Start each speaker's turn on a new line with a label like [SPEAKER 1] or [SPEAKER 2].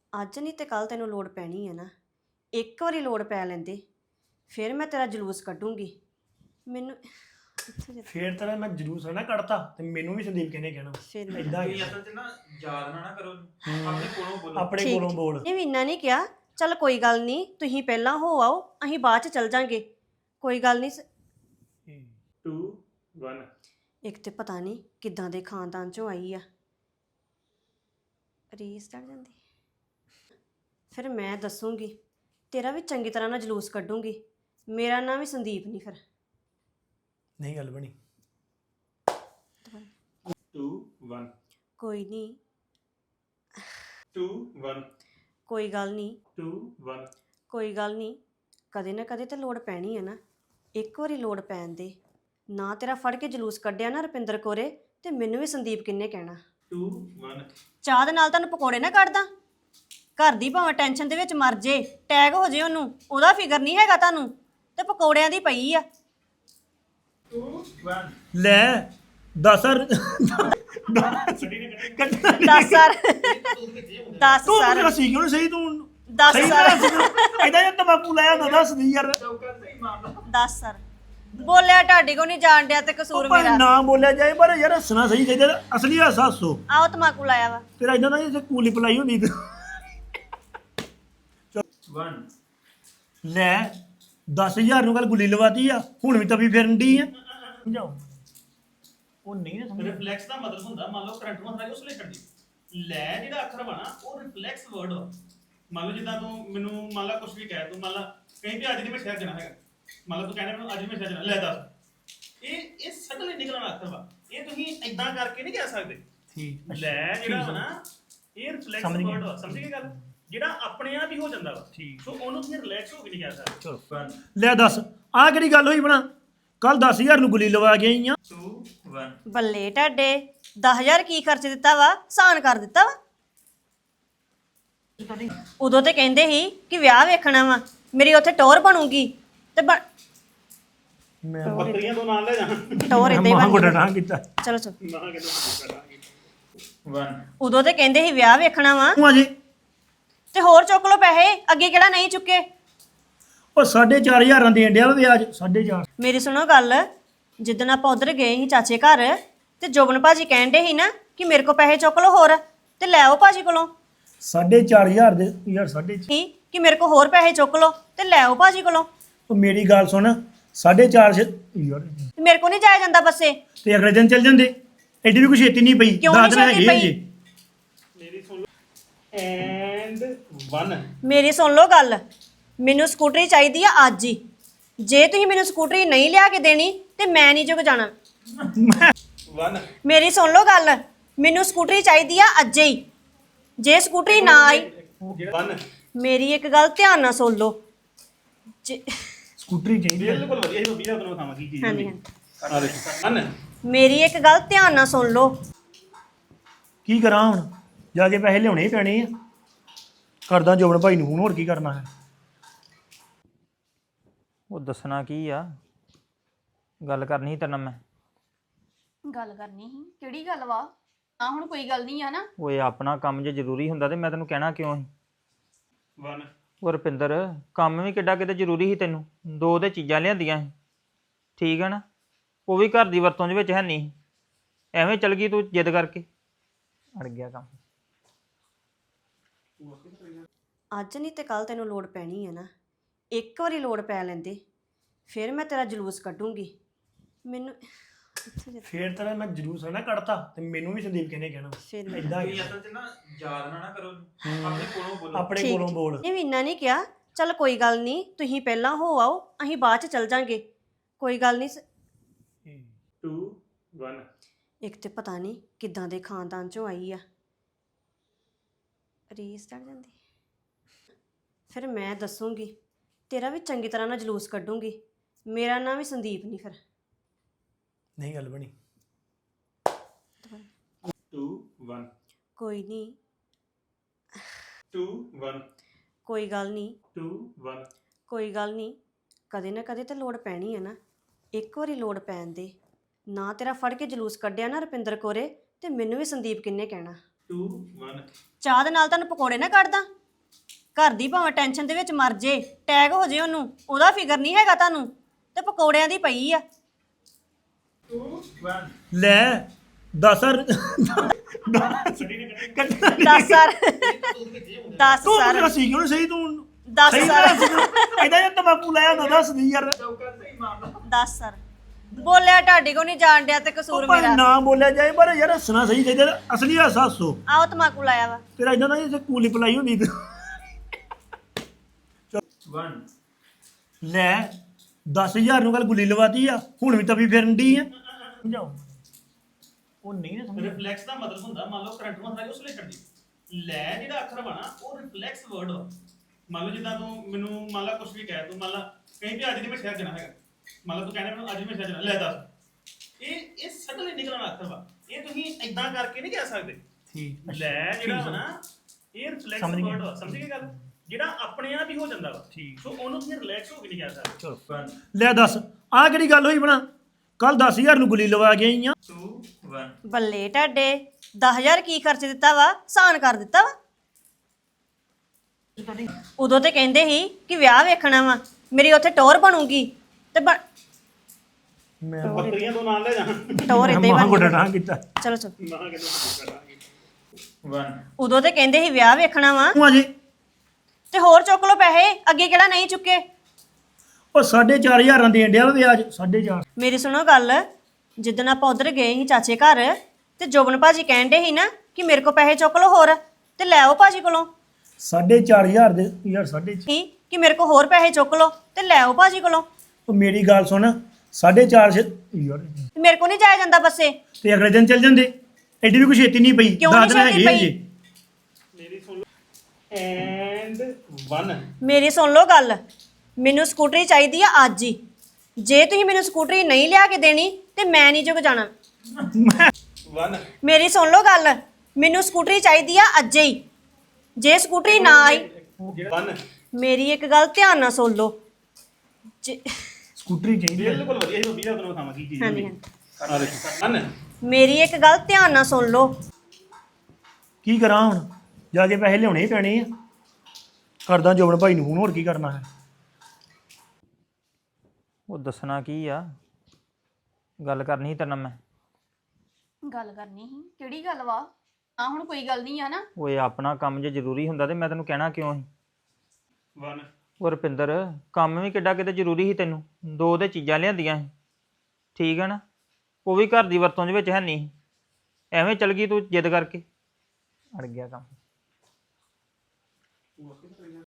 [SPEAKER 1] ਅੱਜ ਨਹੀਂ ਤੇ ਕੱਲ ਤੈਨੂੰ ਲੋੜ ਪੈਣੀ ਹੈ ਨਾ। ਇੱਕ ਵਾਰੀ ਲੋੜ ਪੈ ਲੈਂਦੇ ਫਿਰ ਮੈਂ ਤੇਰਾ ਜਲੂਸ ਕੱਢੂੰਗੀ। ਮੈਨੂੰ
[SPEAKER 2] ਫੇਰ ਤਾਂ ਮੈਂ ਜਲੂਸ ਨਾ ਕੱਢਤਾ ਤੇ ਮੈਨੂੰ ਵੀ ਸੰਦੀਪ ਕਹਿੰਦੇ ਕਹਿਣਾ
[SPEAKER 1] ਫਿਰ
[SPEAKER 2] ਇਦਾਂ
[SPEAKER 3] ਤੁਸੀਂ ਅਸਲ 'ਚ ਨਾ ਯਾਦ ਨਾ ਕਰੋ ਆਪਣੇ ਕੋਲੋਂ ਬੋਲੋ
[SPEAKER 2] ਆਪਣੇ
[SPEAKER 1] ਠੀਕ
[SPEAKER 2] ਕੋਲੋਂ ਬੋਲ
[SPEAKER 1] ਇਹ ਵੀ ਇੰਨਾ ਨਹੀਂ ਕਿਹਾ। ਚੱਲ ਕੋਈ ਗੱਲ ਨਹੀਂ, ਤੁਸੀਂ ਪਹਿਲਾਂ ਹੋ ਆਓ, ਅਸੀਂ ਬਾਅਦ ਚ ਚੱਲ ਜਾਾਂਗੇ। ਕੋਈ ਗੱਲ ਨਹੀਂ।
[SPEAKER 3] 2 1
[SPEAKER 1] ਇੱਕ ਤੇ ਪਤਾ ਨਹੀਂ ਕਿੱਦਾਂ ਦੇ ਖਾਨਦਾਨ ਚੋਂ ਆਈ ਆ, ਰੀਸ ਚੜ ਜਾਂਦੀ। ਫਿਰ ਮੈਂ ਦੱਸੂਗੀ, ਤੇਰਾ ਵੀ ਚੰਗੀ ਤਰ੍ਹਾਂ ਨਾਲ ਜਲੂਸ ਕੱਢੂੰਗੀ। ਮੇਰਾ ਨਾਂ ਵੀ ਸੰਦੀਪ ਨਹੀਂ ਫਿਰ।
[SPEAKER 2] ਨਹੀਂ ਗੱਲ ਬਣੀ
[SPEAKER 3] 2 1
[SPEAKER 1] ਕੋਈ ਨਹੀਂ
[SPEAKER 3] 2 1
[SPEAKER 1] ਕੋਈ ਗੱਲ ਨਹੀਂ
[SPEAKER 3] 2 1
[SPEAKER 1] ਕੋਈ ਗੱਲ ਨਹੀਂ, ਕਦੇ ਨਾ ਕਦੇ ਤੇ ਲੋੜ ਪੈਣੀ ਹੈ ਨਾ। ਇੱਕ ਵਾਰੀ ਲੋੜ ਪੈਣ ਦੇ ਨਾ ਤੇਰਾ ਫੜ ਕੇ ਜਲੂਸ ਕੱਢਿਆ ਨਾ ਰੁਪਿੰਦਰ ਕੋਰੇ, ਤੇ ਮੈਨੂੰ ਵੀ ਸੰਦੀਪ ਕਿੰਨੇ ਕਹਿਣਾ।
[SPEAKER 3] 2 1
[SPEAKER 1] ਚਾਹ ਦੇ ਨਾਲ ਤੁਹਾਨੂੰ ਪਕੌੜੇ ਨਾ ਕੱਢਦਾ। ਘਰ ਦੀ ਭਾਵੇਂ ਟੈਨਸ਼ਨ ਦੇ ਵਿੱਚ ਮਰ ਜੇ, ਟੈਗ ਹੋ ਜੇ ਉਹਨੂੰ, ਉਹਦਾ ਫਿਕਰ ਨਹੀਂ ਹੈਗਾ ਤੁਹਾਨੂੰ, ਤੇ ਪਕੌੜਿਆਂ ਦੀ ਪਈ ਆ।
[SPEAKER 3] 2 1
[SPEAKER 2] ਲੈ 10
[SPEAKER 1] 10 ਸਰ 10
[SPEAKER 2] ਤੂੰ
[SPEAKER 1] ਸਰ
[SPEAKER 2] ਮੇਰਾ ਸੀ ਕਿਉਂ ਨੀ ਸਹੀ ਤੂੰ
[SPEAKER 1] 10
[SPEAKER 2] ਸਹੀ
[SPEAKER 1] ਸਰ
[SPEAKER 2] ਇਦਾਂ ਜੇ ਤਮਾਕੂ ਲਾਇਆ ਹੁੰਦਾ ਦੱਸ ਦੀ ਯਾਰ
[SPEAKER 1] 10 ਸਰ ਬੋਲਿਆ ਢਾਡੀ ਕੋ ਨਹੀਂ ਜਾਣ ਡਿਆ ਤੇ ਕਸੂਰ
[SPEAKER 2] ਪਰ
[SPEAKER 1] ਮੇਰਾ।
[SPEAKER 2] ਨਾ ਬੋਲਿਆ ਜਾਏ ਪਰ ਯਾਰ ਹੱਸਣਾ ਸਹੀ ਚਾਹੀਦਾ, ਅਸਲੀ ਹਾਸਾ ਹੱਸੋ।
[SPEAKER 1] ਆਓ ਤਮਾਕੂ ਲਾਇਆ ਵਾ।
[SPEAKER 2] ਤੇਰਾ ਇਦਾਂ ਦਾ ਜੇ ਕੂਲੀ ਪਲਾਈ ਹੁੰਦੀ ਤੇ
[SPEAKER 3] 1
[SPEAKER 2] ਲੈ 10000 ਨੂੰ ਗੱਲ ਗੁੱਲੀ ਲਵਾਤੀ ਆ, ਹੁਣ ਵੀ ਤਵੀ ਫਿਰਨ ਦੀ ਆ। ਸਮਝਾਓ ਉਹ ਨਹੀਂ ਨਾ ਸਮਝ
[SPEAKER 4] ਰਿਫਲੈਕਸ ਦਾ ਮਤਲਬ ਹੁੰਦਾ, ਮੰਨ ਲਓ ਕਰੰਟ ਨੂੰ ਹਰਾ ਕੇ ਉਸ ਲਈ ਛੱਡੀ ਲੈ ਜਿਹੜਾ ਅੱਖਰ ਬਣਾ ਉਹ ਰਿਫਲੈਕਸ ਵਰਡ ਵਾ। ਮੰਨ ਲਓ ਜਿੱਦਾਂ ਤੂੰ ਮੈਨੂੰ ਮੰਨ ਲਾ ਕੁਝ ਵੀ ਕਹਿ, ਤੂੰ ਮੰਨ ਲਾ ਕਹੀਂ ਵੀ ਅੱਜ ਦੀ ਮੈਂ ਸ਼ਹਿਰ ਜਾਣਾ ਹੈਗਾ, ਮੰਨ ਲਾ ਤੂੰ ਕਹਿੰਦਾ ਮੈਨੂੰ ਅੱਜ ਮੈਂ ਸ਼ਹਿਰ ਜਾਣਾ, ਲੈ ਦੱਸ ਇਹ ਸਡਨਲੀ ਨਿਕਲਣਾ ਅੱਖਰ ਵਾ। ਇਹ ਤੁਸੀਂ ਇਦਾਂ ਕਰਕੇ ਨਹੀਂ ਕਹਿ ਸਕਦੇ।
[SPEAKER 2] ਠੀਕ
[SPEAKER 4] ਲੈ ਜਿਹੜਾ ਵਾ ਨਾ ਇਹ ਰਿਫਲੈਕਸ
[SPEAKER 2] ਸਮਝ ਗਿਆ।
[SPEAKER 4] ਵਰਡ ਵਾ, ਸਮਝ ਗਏ ਗੱਲ, ਜਿਹੜਾ ਆਪਣੇ ਆਪ ਹੀ ਹੋ ਜਾਂਦਾ ਵਾ।
[SPEAKER 2] ਠੀਕ।
[SPEAKER 4] ਸੋ ਉਹਨੂੰ ਤੁਸੀਂ ਰਿਲੈਕਸ ਹੋ ਕੇ ਨਹੀਂ ਕਹਿ ਸਕਦੇ।
[SPEAKER 2] ਚਲੋ ਲੈ ਦੱਸ ਆਹ ਕਿਹੜੀ ਗੱਲ ਹੋਈ ਬਣਾ, ਕੱਲ 10000 ਨੂੰ ਗੁੱਲੀ ਲਵਾ ਕੇ ਆਈ ਆ।
[SPEAKER 3] 2 1
[SPEAKER 1] ਬੱਲੇ ਢਾਡੇ 10000 ਕੀ ਖਰਚ ਦਿੱਤਾ ਵਾ, ਸਾਨ ਕਰ ਦਿੱਤਾ ਵਾ। ਉਦੋਂ ਤੇ ਕਹਿੰਦੇ ਸੀ ਕਿ ਵਿਆਹ ਵੇਖਣਾ ਵਾ, ਮੇਰੀ ਉੱਥੇ ਟੌਰ ਬਣੂਗੀ, ਤੇ
[SPEAKER 2] ਮੈਂ
[SPEAKER 4] ਬੱਕਰੀਆਂ ਤੋਂ ਨਾਲ ਲੈ ਜਾਣਾ
[SPEAKER 1] ਟੌਰ ਏਦਾਂ ਹੀ
[SPEAKER 2] ਮਾਂ
[SPEAKER 1] ਬਣ
[SPEAKER 2] ਕੋਟਾ
[SPEAKER 1] ਗਈ।
[SPEAKER 2] ਨਾ ਕੀਤਾ
[SPEAKER 1] ਚਲੋ ਚਲੋ
[SPEAKER 4] ਨਾ ਕਿਦੋਂ
[SPEAKER 3] 1
[SPEAKER 1] ਉਦੋਂ ਤੇ ਕਹਿੰਦੇ ਸੀ ਵਿਆਹ ਵੇਖਣਾ ਵਾ,
[SPEAKER 2] ਤੂੰ ਅਜੇ
[SPEAKER 1] ਤੇ ਹੋਰ ਚੁੱਕ ਲੋ ਪੈਸੇ, ਅੱਗੇ ਕਿਹੜਾ ਨਹੀਂ ਚੁੱਕੇ।
[SPEAKER 2] ਉਹ 4500 ਦੇਣ ਡਿਆ ਵਾ ਵਿਆਜ 4.5।
[SPEAKER 1] ਮੇਰੀ ਸੁਣੋ ਗੱਲ, ਜਿੱਦਣ ਆਪਾਂ ਉਧਰ ਗਏ ਸੀ ਚਾਚੇ ਘਰ, ਤੇ ਜੋਬਨ ਭਾਜੀ ਕਹਿਣ ਦੇ ਸੀ ਨਾ ਕਿ ਮੇਰੇ ਕੋ ਪੈਸੇ ਚੁੱਕ ਲੋ ਹੋਰ, ਤੇ ਲੈ ਆਓ ਭਾਜੀ ਕੋਲੋਂ।
[SPEAKER 2] 4500 ਦੇ ਯਾਰ 6.5
[SPEAKER 1] ਸੀ ਕਿ ਮੇਰੇ ਕੋ ਹੋਰ ਪੈਸੇ ਚੁੱਕ ਲੋ ਤੇ ਲੈ ਆਓ ਭਾਜੀ ਕੋਲੋਂ।
[SPEAKER 2] ਉਹ ਮੇਰੀ ਗੱਲ ਸੁਣ 4.5 ਯਾਰ
[SPEAKER 1] ਤੇ ਮੇਰੇ ਕੋ ਨਹੀਂ ਜਾਇਆ ਜਾਂਦਾ ਬੱਸੇ।
[SPEAKER 2] ਤੇ ਅਗਲੇ ਦਿਨ ਚੱਲ ਜਾਂਦੇ, ਐਡੀ ਵੀ ਕੁਛ ਛੇਤੀ ਨਹੀਂ ਪਈ।
[SPEAKER 1] ਕਿਉਂ
[SPEAKER 2] 10
[SPEAKER 1] ਨਹੀਂ
[SPEAKER 2] ਦਿਨ
[SPEAKER 1] ਛੇਤੀ
[SPEAKER 2] ਹੈਗੇ
[SPEAKER 1] ਪਈ?
[SPEAKER 2] ਜੀ।
[SPEAKER 4] ਮੇਰੀ ਸੁਣ ਲਓ ਐਂਡ 1
[SPEAKER 1] ਮੇਰੀ ਸੁਣ ਲਓ ਗੱਲ, ਮੈਨੂੰ ਸਕੂਟਰੀ ਚਾਹੀਦੀ ਆ ਅੱਜ ਹੀ। ਜੇ ਤੁਸੀਂ ਮੈਨੂੰ ਸਕੂਟਰੀ ਨਹੀਂ ਲਿਆ ਕੇ ਦੇਣੀ ਤੇ ਮੈਂ ਨਹੀਂ ਜੁਗ ਜਾਣਾ।
[SPEAKER 4] 1
[SPEAKER 1] ਮੇਰੀ ਸੁਣ ਲਓ ਗੱਲ, ਮੈਨੂੰ ਸਕੂਟਰੀ ਚਾਹੀਦੀ ਆ ਅੱਜ ਹੀ। ਜੇ ਸਕੂਟਰੀ ਨਾ ਆਈ,
[SPEAKER 4] 1
[SPEAKER 1] ਮੇਰੀ ਇੱਕ ਗੱਲ ਧਿਆਨ ਨਾਲ ਸੁਣ ਲਓ।
[SPEAKER 2] ਸਕੂਟਰੀ ਚਾਹੀਦੀ ਆ।
[SPEAKER 4] ਬਿਲਕੁਲ ਵਧੀਆ ਸੀ ਵੀਡੀਓ ਤੁਹਾਨੂੰ ਦਿਖਾਵਾਂ ਕੀ ਚੀਜ਼
[SPEAKER 1] ਹਾਂਜੀ
[SPEAKER 4] ਹੋਣੀ।
[SPEAKER 1] ਹਾਂਜੀ
[SPEAKER 4] ਆ ਦੇਖ 1
[SPEAKER 1] ਮੇਰੀ ਇੱਕ ਗੱਲ ਧਿਆਨ ਨਾਲ ਸੁਣ ਲਓ।
[SPEAKER 2] ਕੀ ਕਰਾਂ ਹੁਣ, ਜਾ ਕੇ ਪੈਸੇ ਲਿਆਉਣੇ ਹੀ ਪੈਣੇ ਆ। ਕਰਦਾ ਜੋਬਨ ਭਾਈ ਨੂੰ ਹੁਣ, ਹੋਰ ਕੀ ਕਰਨਾ ਹੈ।
[SPEAKER 5] ਉਹ ਦੱਸਣਾ ਕੀ ਆ, ਗੱਲ ਕਰਨੀ ਸੀ ਤੇਰੇ ਨਾਲ ਮੈਂ।
[SPEAKER 6] ਗੱਲ ਕਰਨੀ ਸੀ, ਕਿਹੜੀ ਗੱਲ ਵਾ? ਆ ਹੁਣ ਕੋਈ ਗੱਲ ਨਹੀਂ ਆ ਨਾ।
[SPEAKER 5] ਓਏ ਆਪਣਾ ਕੰਮ ਜੇ ਜ਼ਰੂਰੀ ਹੁੰਦਾ ਤੇ ਮੈਂ ਤੈਨੂੰ ਕਹਿਣਾ ਕਿਉਂ ਸੀ।
[SPEAKER 4] 1
[SPEAKER 5] ਉਹ ਰੁਪਿੰਦਰ ਕੰਮ ਵੀ ਕਿੱਡਾ ਕਿਤੇ ਜ਼ਰੂਰੀ ਸੀ ਤੈਨੂੰ, ਦੋ ਤੇ ਚੀਜ਼ਾਂ ਲਿਆਂਦੀਆਂ ਸੀ, ਠੀਕ ਹੈ ਨਾ, ਉਹ ਵੀ ਘਰ ਦੀ ਵਰਤੋਂ ਦੇ ਵਿੱਚ ਹੈ ਨਹੀਂ ਸੀ। ਐਵੇਂ ਚਲ ਗਈ ਤੂੰ ਜਿੱਦ ਕਰਕੇ, ਅੜ ਗਿਆ ਕੰਮ।
[SPEAKER 1] ਅੱਜ ਨਹੀਂ ਤੇ ਕੱਲ ਤੈਨੂੰ ਲੋੜ ਪੈਣੀ ਹੈ ਨਾ। ਇੱਕ ਵਾਰੀ ਲੋੜ ਪੈ ਲੈਂਦੇ ਫਿਰ ਮੈਂ ਤੇਰਾ ਜਲੂਸ ਕੱਢੂੰਗੀ। ਮੈਨੂੰ
[SPEAKER 2] ਫੇਰ ਤਾਂ ਮੈਂ ਜਲੂਸ ਨਾ ਕੱਢਤਾ ਤੇ ਮੈਨੂੰ ਵੀ ਸੰਦੀਪ ਕਹਿੰਦੇ ਕਹਿਣਾ
[SPEAKER 1] ਫਿਰ
[SPEAKER 2] ਇਦਾਂ
[SPEAKER 3] ਤੁਸੀਂ ਅਸਲ 'ਚ ਨਾ ਯਾਦ ਨਾ ਕਰੋ ਆਪਣੇ ਕੋਲੋਂ ਬੋਲੋ
[SPEAKER 2] ਆਪਣੇ
[SPEAKER 1] ਠੀਕ
[SPEAKER 2] ਕੋਲੋਂ ਬੋਲ
[SPEAKER 1] ਇਹ ਵੀ ਇੰਨਾ ਨਹੀਂ ਕਿਹਾ। ਚੱਲ ਕੋਈ ਗੱਲ ਨਹੀਂ, ਤੁਸੀਂ ਪਹਿਲਾਂ ਹੋ ਆਓ, ਅਸੀਂ ਬਾਅਦ ਚ ਚੱਲ ਜਾਾਂਗੇ। ਕੋਈ ਗੱਲ ਨਹੀਂ।
[SPEAKER 4] 2 1
[SPEAKER 1] ਇੱਕ ਤੇ ਪਤਾ ਨਹੀਂ ਕਿੱਦਾਂ ਦੇ ਖਾਨਦਾਨ ਚੋਂ ਆਈ ਆ, ਰੀਸ ਚੜ ਜਾਂਦੀ। ਫਿਰ ਮੈਂ ਦੱਸੂਗੀ, ਤੇਰਾ ਵੀ ਚੰਗੀ ਤਰ੍ਹਾਂ ਨਾਲ ਜਲੂਸ ਕੱਢੂੰਗੀ। ਮੇਰਾ ਨਾਂ ਵੀ ਸੰਦੀਪ ਨਹੀਂ ਫਿਰ।
[SPEAKER 2] ਨਹੀਂ ਗੱਲ ਬਣੀ
[SPEAKER 4] 2 1
[SPEAKER 1] ਕੋਈ ਨਹੀਂ
[SPEAKER 4] 2 1
[SPEAKER 1] ਕੋਈ ਗੱਲ ਨਹੀਂ
[SPEAKER 4] 2 1
[SPEAKER 1] ਕੋਈ ਗੱਲ ਨਹੀਂ, ਕਦੇ ਨਾ ਕਦੇ ਤੇ ਲੋੜ ਪੈਣੀ ਹੈ ਨਾ। ਇੱਕ ਵਾਰੀ ਲੋੜ ਪੈਣ ਦੇ ਨਾ ਤੇਰਾ ਫੜ ਕੇ ਜਲੂਸ ਕੱਢਿਆ ਨਾ ਰੁਪਿੰਦਰ ਕੋਰੇ, ਤੇ ਮੈਨੂੰ ਵੀ ਸੰਦੀਪ ਕਿੰਨੇ ਕਹਿਣਾ।
[SPEAKER 4] 2 1
[SPEAKER 1] ਚਾਹ ਦੇ ਨਾਲ ਤੁਹਾਨੂੰ ਪਕੌੜੇ ਨਾ ਕੱਢਦਾ। ਘਰ ਦੀ ਭਾਵੇਂ ਟੈਨਸ਼ਨ ਦੇ ਵਿੱਚ ਮਰ ਜੇ ਟੈਗ ਹੋ ਜੇ ਉਹਨੂੰ ਉਹਦਾ ਫਿਕਰ ਨਹੀਂ ਹੈਗਾ ਤੁਹਾਨੂੰ ਤੇ ਪਕੌੜਿਆਂ ਦੀ ਪਈ ਆ।
[SPEAKER 2] ਲੈ 10 ਸਰ
[SPEAKER 1] 10 ਸਰ 10
[SPEAKER 2] ਤੂੰ
[SPEAKER 1] ਸਰ
[SPEAKER 2] ਮੇਰਾ ਸੀ ਕਿਉਂ ਨੀ ਸਹੀ ਤੂੰ
[SPEAKER 1] 10
[SPEAKER 2] ਸਹੀ
[SPEAKER 1] ਸਰ
[SPEAKER 2] ਇਹਦਾ ਜੇ ਤਮਾਕੂ ਲਾਇਆ ਹੁੰਦਾ ਦੱਸ ਦੀ ਯਾਰ
[SPEAKER 1] 10 ਸਰ ਬੋਲਿਆ ਢਾਡੀ ਕੋ ਨਹੀਂ ਜਾਣ ਡਿਆ ਤੇ ਕਸੂਰ
[SPEAKER 2] ਪਰ
[SPEAKER 1] ਮੇਰਾ।
[SPEAKER 2] ਨਾ ਬੋਲਿਆ ਜਾਏ ਪਰ ਯਾਰ ਹੱਸਣਾ ਸਹੀ ਚਾਹੀਦਾ ਅਸਲੀ ਹਾਸਾ ਹੱਸੋ
[SPEAKER 1] ਆਓ ਤਮਾਕੂ ਲਾਇਆ ਵਾ।
[SPEAKER 2] ਤੇਰਾ ਇਦਾਂ ਦਾ ਜੇ ਕੂਲੀ ਪਲਾਈ ਹੁੰਦੀ ਤੇ
[SPEAKER 3] 1
[SPEAKER 2] ਲੈ 10000 ਨੂੰ ਗੱਲ ਗੁੱਲੀ ਲਵਾਤੀ ਆ ਹੁਣ ਵੀ ਤਵੀ ਫਿਰਨ ਦੀ ਆ ਸਮਝਾਓ ਉਹ ਨਹੀਂ ਨਾ ਸਮਝ
[SPEAKER 4] ਰਿਫਲੈਕਸ ਦਾ ਮਤਲਬ ਹੁੰਦਾ ਮੰਨ ਲਓ ਕਰੰਟ ਨੂੰ ਹਟਾ ਕੇ ਉਸ ਲਈ ਛੱਡਦੀ ਲੈ ਜਿਹੜਾ ਅੱਖਰ ਬਣਾ ਉਹ ਰਿਫਲੈਕਸ ਵਰਡ ਵਾ। ਮੰਨ ਲਓ ਜਿੱਦਾਂ ਤੂੰ ਮੈਨੂੰ ਮੰਨ ਲਾ ਕੁਝ ਵੀ ਕਹਿ ਤੂੰ ਮੰਨ ਲਾ ਕਹੀਂ ਵੀ ਅੱਜ ਦੀ ਮੈਂ ਸ਼ਹਿਰ ਜਾਣਾ ਹੈਗਾ ਮੰਨ ਲਾ ਤੂੰ ਕਹਿੰਦਾ ਮੈਨੂੰ ਅੱਜ ਮੈਂ ਸ਼ਹਿਰ ਜਾਣਾ ਲੈ ਦੱਸ ਇਹ ਸਡਨਲੀ ਨਿਕਲਣਾ ਅੱਖਰ ਵਾ। ਇਹ ਤੁਸੀਂ ਇਦਾਂ ਕਰਕੇ ਨਹੀਂ ਕਹਿ ਸਕਦੇ।
[SPEAKER 2] ਠੀਕ
[SPEAKER 4] ਲੈ ਜਿਹੜਾ ਵਾ ਨਾ ਇਹ ਰਿਫਲੈਕਸ
[SPEAKER 2] ਸਮਝ ਗਿਆ।
[SPEAKER 4] ਵਰਡ ਵਾ। ਸਮਝ ਗਏ ਗੱਲ ਜਿਹੜਾ ਆਪਣੇ ਆਪ ਹੀ ਹੋ ਜਾਂਦਾ ਵਾ।
[SPEAKER 2] ਠੀਕ।
[SPEAKER 4] ਸੋ ਉਹਨੂੰ ਤੁਸੀਂ ਰਿਲੈਕਸ ਹੋ ਕੇ ਨਹੀਂ ਕਹਿ ਸਕਦੇ।
[SPEAKER 2] ਚਲੋ ਲੈ ਦੱਸ ਆਹ ਕਿਹੜੀ ਗੱਲ ਹੋਈ ਬਣਾ ਕੱਲ 10000 ਨੂੰ ਗੁੱਲੀ ਲਵਾ ਕੇ ਆਈ ਆ
[SPEAKER 3] 2 1
[SPEAKER 1] ਬੱਲੇ ਢਾਡੇ 10000 ਕੀ ਖਰਚ ਦਿੱਤਾ ਵਾ ਸਾਨ ਕਰ ਦਿੱਤਾ ਵਾ। ਉਦੋਂ ਤੇ ਕਹਿੰਦੇ ਸੀ ਕਿ ਵਿਆਹ ਵੇਖਣਾ ਵਾ ਮੇਰੀ ਉੱਥੇ ਟੋਰ ਬਣੂਗੀ ਤੇ
[SPEAKER 2] ਮੈਂ
[SPEAKER 4] ਬੱਕਰੀਆਂ ਤੋਂ ਨਾਲ ਲੈ ਜਾ
[SPEAKER 1] ਟੋਰ ਇਦਾਂ ਹੀ
[SPEAKER 2] ਮਾਂ
[SPEAKER 1] ਬਣ
[SPEAKER 2] ਕੋਲ
[SPEAKER 1] ਗਈ।
[SPEAKER 2] ਨਾ ਕੀਤਾ
[SPEAKER 1] ਚਲੋ ਚਲੋ
[SPEAKER 4] ਨਾ ਕਿਤੇ
[SPEAKER 3] 1
[SPEAKER 1] ਉਦੋਂ ਤੇ ਕਹਿੰਦੇ ਸੀ ਵਿਆਹ ਵੇਖਣਾ ਵਾ
[SPEAKER 2] ਤੂੰ ਅਜੇ
[SPEAKER 1] ਤੇ ਹੋਰ ਚੁੱਕ ਲਓ ਪੈਸੇ ਅੱਗੇ ਕਿਹੜਾ ਨਹੀਂ ਚੁੱਕੇ।
[SPEAKER 2] ਉਹ 4500 ਦੇਣ ਡਿਆ ਵਾ ਵਿਆਜ 4.5
[SPEAKER 1] ਮੇਰੀ ਸੁਣੋ ਗੱਲ ਜਿੱਦਣ ਆਪਾਂ ਉਧਰ ਗਏ ਸੀ ਚਾਚੇ ਘਰ ਤੇ ਜੋਬਨ ਭਾਜੀ ਕਹਿਣ ਦੇ ਸੀ ਨਾ ਕਿ ਮੇਰੇ ਕੋ ਪੈਸੇ ਚੁੱਕ ਲਓ ਹੋਰ ਤੇ ਲੈ ਆਓ ਭਾਜੀ ਕੋਲੋਂ
[SPEAKER 2] 4500 ਦੇ ਯਾਰ 4.5
[SPEAKER 1] ਸੀ ਕਿ ਮੇਰੇ ਕੋ ਹੋਰ ਪੈਸੇ ਚੁੱਕ ਲਓ ਤੇ ਲੈ ਆਓ ਭਾਜੀ ਕੋਲੋਂ
[SPEAKER 2] ਉਹ ਮੇਰੀ ਗੱਲ ਸੁਣ 4.5 ਯਾਰ
[SPEAKER 1] ਤੇ ਮੇਰੇ ਕੋ ਨਹੀਂ ਜਾਇਆ ਜਾਂਦਾ ਬੱਸੇ।
[SPEAKER 2] ਤੇ ਅਗਲੇ ਦਿਨ ਚੱਲ ਜਾਂਦੇ ਐਡੀ ਵੀ ਕੁਛ ਛੇਤੀ ਨਹੀਂ ਪਈ
[SPEAKER 1] ਕਿਉਂ ਨੀ
[SPEAKER 2] 10 ਦਿਨ
[SPEAKER 1] ਛੇਤੀ
[SPEAKER 2] ਹੈਗੇ
[SPEAKER 1] ਪਈ?
[SPEAKER 2] ਜੀ
[SPEAKER 4] ਮੇਰੀ ਸੁਣ ਲਓ ਐਂਡ 1
[SPEAKER 1] ਮੇਰੀ ਸੁਣ ਲਓ ਗੱਲ ਮੈਨੂੰ ਸਕੂਟਰੀ ਚਾਹੀਦੀ ਆ ਅੱਜ ਹੀ। ਜੇ ਤੁਸੀਂ ਮੈਨੂੰ ਸਕੂਟਰੀ ਨਹੀਂ ਲਿਆ ਕੇ ਦੇਣੀ ਤੇ ਮੈਂ ਨਹੀਂ ਜੁਗ ਜਾਣਾ।
[SPEAKER 4] 1
[SPEAKER 1] ਮੇਰੀ ਸੁਣ ਲਓ ਗੱਲ ਮੈਨੂੰ ਸਕੂਟਰੀ ਚਾਹੀਦੀ ਆ ਅੱਜ ਹੀ। ਜੇ ਸਕੂਟਰੀ ਨਾ ਆਈ
[SPEAKER 4] 1
[SPEAKER 1] ਮੇਰੀ ਇੱਕ ਗੱਲ ਧਿਆਨ ਨਾਲ ਸੁਣ ਲਓ ਜੇ-
[SPEAKER 2] ਸਕੂਟਰੀ ਚਾਹੀਦੀ ਆ।
[SPEAKER 4] ਬਿਲਕੁਲ ਵਧੀਆ ਹੀ ਵੀਡੀਓ ਤੁਹਾਨੂੰ ਖਾਵਾਂ ਕੀ ਚੀਜ਼
[SPEAKER 1] ਹਾਂਜੀ
[SPEAKER 4] ਹੋਣੀ
[SPEAKER 1] ਹਾਂਜੀ।
[SPEAKER 4] ਆ ਦੇਖ 1
[SPEAKER 1] ਮੇਰੀ ਇੱਕ ਗੱਲ ਧਿਆਨ ਨਾਲ ਸੁਣ ਲਓ
[SPEAKER 2] ਕੀ ਕਰਾਂ ਹੁਣ ਜਾ ਕੇ ਪੈਸੇ ਲਿਆਉਣੇ ਹੀ ਪੈਣੇ ਆ ਕਰਦਾ ਜੋਬਨ ਭਾਈ ਨੂੰ ਫੋਨ ਹੋਰ ਕੀ ਕਰਨਾ ਹੈ
[SPEAKER 5] ਉਹ ਦੱਸਣਾ ਕੀ ਆ ਗੱਲ ਕਰਨੀ ਸੀ ਤੇਰੇ ਨਾਲ ਮੈਂ।
[SPEAKER 6] ਗੱਲ ਕਰਨੀ ਸੀ ਕਿਹੜੀ ਗੱਲ ਵਾ ਆ ਹੁਣ ਕੋਈ ਗੱਲ ਨਹੀਂ ਆ ਨਾ।
[SPEAKER 5] ਓਏ ਆਪਣਾ ਕੰਮ ਜੇ ਜ਼ਰੂਰੀ ਹੁੰਦਾ ਤੇ ਮੈਂ ਤੈਨੂੰ ਕਹਿਣਾ ਕਿਉਂ ਸੀ।
[SPEAKER 4] 1
[SPEAKER 5] ਉਹ ਰੁਪਿੰਦਰ ਕੰਮ ਵੀ ਕਿੱਡਾ ਕਿਤੇ ਜ਼ਰੂਰੀ ਸੀ ਤੈਨੂੰ ਦੋ ਤੇ ਚੀਜ਼ਾਂ ਲਿਆਂਦੀਆਂ ਸੀ ਠੀਕ ਹੈ ਨਾ ਉਹ ਵੀ ਘਰ ਦੀ ਵਰਤੋਂ ਦੇ ਵਿੱਚ ਹੈ ਨਹੀਂ ਸੀ। ਐਵੇਂ ਚਲ ਗਈ ਤੂੰ ਜਿੱਦ ਕਰਕੇ ਅੜ ਗਿਆ ਕੰਮ।